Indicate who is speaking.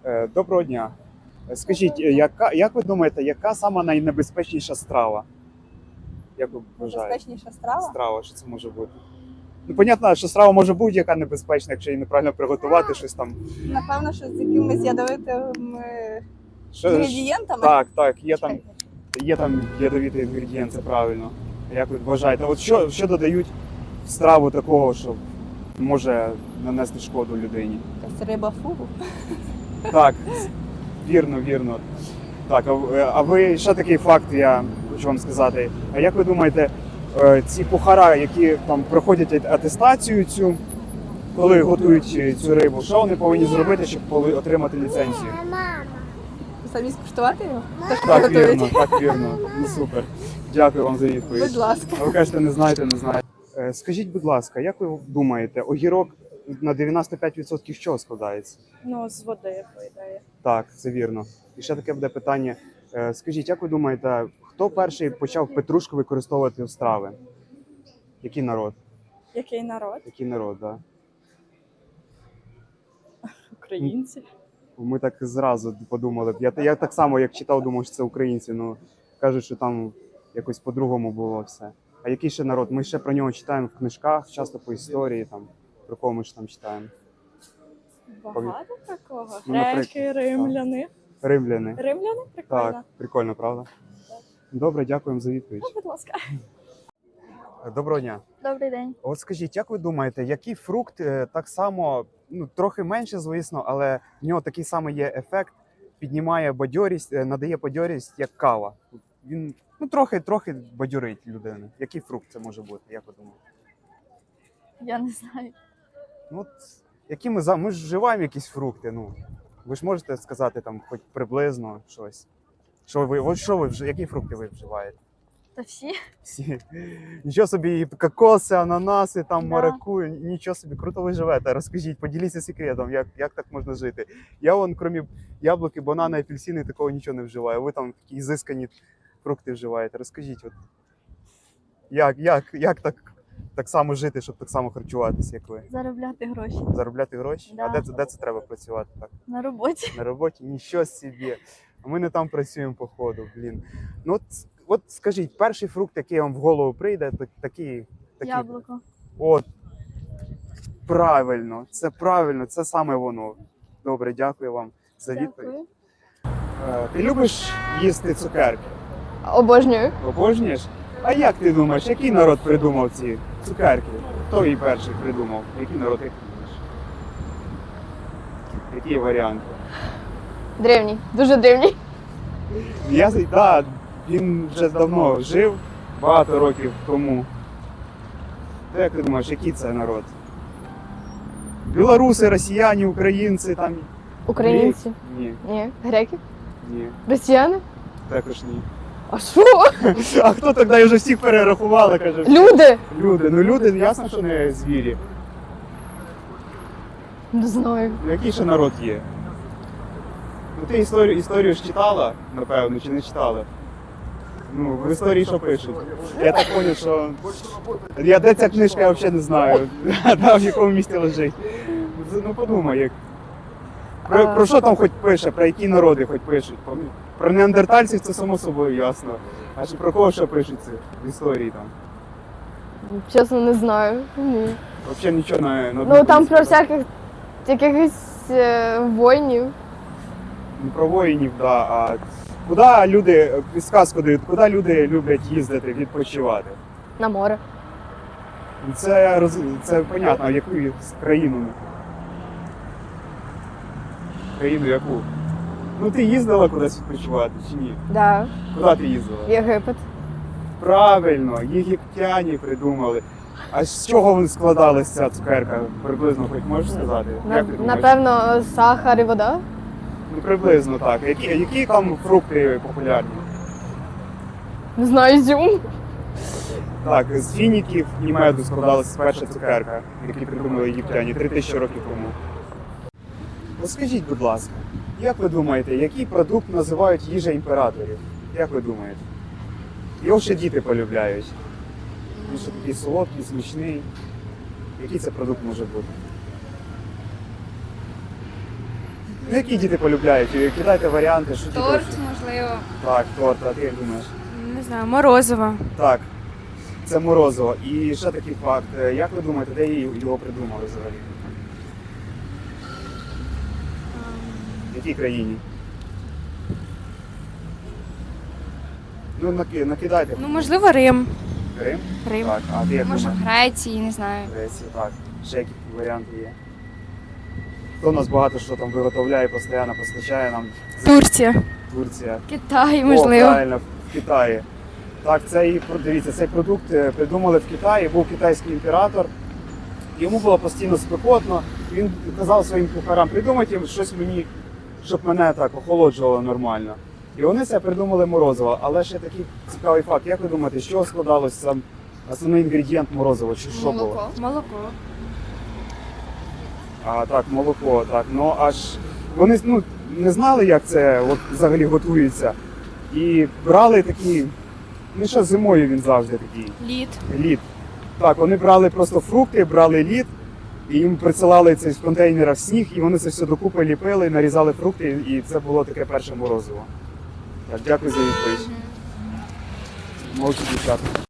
Speaker 1: Доброго дня. Скажіть, як ви думаєте, яка сама найнебезпечніша страва? Як ви вважаєте?
Speaker 2: Небезпечніша страва?
Speaker 1: Страва, що це може бути? Ну, понятно, що страва може бути яка небезпечна, якщо її неправильно приготувати, щось там.
Speaker 2: Напевно, що з якимись ядовитими
Speaker 1: Що,
Speaker 2: інгредієнтами.
Speaker 1: так, є там ядовитий інгредієнт, це правильно. Як ви вважаєте? От що додають в страву такого, що може нанести шкоду людині?
Speaker 2: Якась риба фугу.
Speaker 1: Так, вірно. Так, а ви ще такий факт, я хочу вам сказати. А як ви думаєте, ці кухара, які там проходять атестацію цю, коли готують цю рибу, що вони повинні зробити, щоб отримати ліцензію?
Speaker 2: Самі скуштувати його?
Speaker 1: Так, вірно. Ну супер. Дякую вам за відповідь.
Speaker 2: Будь ласка.
Speaker 1: А ви кажете, не знаєте. Скажіть, будь ласка, як ви думаєте, огірок на 95% з чого складається?
Speaker 2: Ну, з води, по ідеї.
Speaker 1: Так, це вірно. І ще таке буде питання. Скажіть, як ви думаєте, хто перший почав петрушку використовувати в страви? Який народ?
Speaker 2: Який народ?
Speaker 1: Який народ, так?
Speaker 2: Українці.
Speaker 1: Ми так зразу подумали. Я так само, як читав, думав, що це українці. Ну, кажуть, що там якось по-другому було все. А який ще народ? Ми ще про нього читаємо в книжках, часто по історії, там, про кого ми ж там читаємо.
Speaker 2: Багато такого.
Speaker 1: Ну, наприклад,
Speaker 2: Греки, римляни.
Speaker 1: Римляни.
Speaker 2: Римляни? Прикольно.
Speaker 1: Так, прикольно, правда? Добре, дякуємо за відповідь.
Speaker 2: Ну, будь ласка.
Speaker 1: Доброго дня.
Speaker 2: Добрий день.
Speaker 1: От скажіть, як ви думаєте, який фрукт так само, трохи менше, звісно, але в нього такий самий є ефект, піднімає бадьорість, надає бадьорість, як кава? Він трохи бадьорить людину. Який фрукт це може бути, як ви думаєте?
Speaker 2: Я не знаю.
Speaker 1: Ну, от, ми ж вживаємо якісь фрукти, ви ж можете сказати там хоч приблизно щось. Які фрукти ви вживаєте?
Speaker 2: Та всі?
Speaker 1: Всі. Нічого собі, і кокоси, ананаси, там
Speaker 2: Да.
Speaker 1: маракую, нічого собі, круто ви живете. Розкажіть, поділіться секретом, як так можна жити. Я крім яблуки, банани, апельсини, такого нічого не вживаю. Ви там такі ізискані фрукти вживаєте. Розкажіть, от, як так само жити, щоб так само харчуватися, як ви?
Speaker 2: Заробляти гроші.
Speaker 1: Заробляти гроші?
Speaker 2: Да.
Speaker 1: А де це треба працювати так?
Speaker 2: На роботі.
Speaker 1: На роботі? Нічого собі. А ми не там працюємо, походу, блін. Ну от скажіть, перший фрукт, який вам в голову прийде, такий.
Speaker 2: Яблуко.
Speaker 1: От, правильно, це саме воно. Добре, дякую вам за відповідь.
Speaker 2: Дякую.
Speaker 1: Ти любиш їсти цукерки?
Speaker 3: Обожнюю.
Speaker 1: Обожнюєш? А як ти думаєш, який народ придумав ці цукерки? Хто її перший придумав? Який народ, як ти думаєш? Які варіанти?
Speaker 3: Древній. Дуже древній.
Speaker 1: Так, він вже давно жив, багато років тому. То як ти думаєш, який це народ? Білоруси, росіяни, українці, там.
Speaker 3: Українці.
Speaker 1: Ні,
Speaker 3: Ні. Греки.
Speaker 1: ні,
Speaker 3: Росіяни.
Speaker 1: також ні.
Speaker 3: А що?
Speaker 1: А хто тоді вже всіх перерахували, каже?
Speaker 3: Люди.
Speaker 1: Люди, ясно, що не звірі.
Speaker 3: Не знаю.
Speaker 1: Який ще народ є? Ти історію ж читала, напевно, чи не читала? В історії що пишуть? Я так зрозумів, що... Де ця книжка, я взагалі не знаю. В якому місці лежить. Подумай, як... Про що там хоч пише, про які народи хоч пишуть? Про неандертальців це само собою ясно. А чи про кого ще пишуть це в історії там?
Speaker 3: Чесно, не знаю. Ні.
Speaker 1: Взагалі нічого на
Speaker 3: Ну там про всяких якихось воїнів.
Speaker 1: Не про воїнів, да, а куди люди, підсказку дають, куди люди люблять їздити, відпочивати?
Speaker 3: На море.
Speaker 1: Це понятно, в яку країну? Країну яку? Ти їздила кудись відпочивати чи ні?
Speaker 3: Да.
Speaker 1: Куди ти їздила?
Speaker 3: Єгипет.
Speaker 1: Правильно, єгиптяни придумали. А з чого вони складалася ця цукерка? Приблизно хоч можеш сказати? Як ти думаєш?
Speaker 3: Напевно, сахар і вода.
Speaker 1: Приблизно так. Які там фрукти популярні?
Speaker 3: Не знаю, ізюм.
Speaker 1: Так, з фініків і меду складалася перша цукерка, яку придумали єгиптяни 3000 років тому. Скажіть, будь ласка, як ви думаєте, який продукт називають їжа імператорів? Як ви думаєте? Його ще діти полюбляють. Він що такий солодкий, смачний. Який це продукт може бути? Ну, які діти полюбляють? Кидайте варіанти, що діти.
Speaker 4: Торт, можливо.
Speaker 1: Так, торт, а ти як думаєш?
Speaker 4: Не знаю, морозиво.
Speaker 1: Так, це морозиво. І ще такий факт. Як ви думаєте, де його придумали взагалі? В якій країні? Ну, накидайте.
Speaker 4: Ну, можливо, Рим.
Speaker 1: Рим?
Speaker 4: Рим.
Speaker 1: Так, а ти як
Speaker 4: Може, в
Speaker 1: думаєш?
Speaker 4: Греції, не знаю.
Speaker 1: Греція, так. Ще які варіанти є? Хто у нас багато що там виготовляє, постійно постачає нам?
Speaker 4: Турція.
Speaker 1: Турція.
Speaker 4: Китай,
Speaker 1: О,
Speaker 4: можливо.
Speaker 1: правильно, в Китаї. Так, дивіться, цей продукт придумали в Китаї, був китайський імператор. Йому було постійно спекотно. Він казав своїм кухарам, придумайте щось мені, щоб мене так охолоджувало нормально. І вони це придумали морозиво. Але ще такий цікавий факт. Як ви думаєте, з чого складалось сам основний інгредієнт морозива? Чи що було?
Speaker 4: Молоко.
Speaker 1: А так, молоко, так. Ну аж вони не знали, як це от, взагалі готується. І брали такі, ну що зимою він завжди такий.
Speaker 4: Лід.
Speaker 1: Лід. Так, вони брали просто фрукти, брали лід, і їм присилали це з контейнера в сніг, і вони це все докупи ліпили, нарізали фрукти, і це було таке перше морозиво. Так, дякую за відповідь. Молодці дівчата.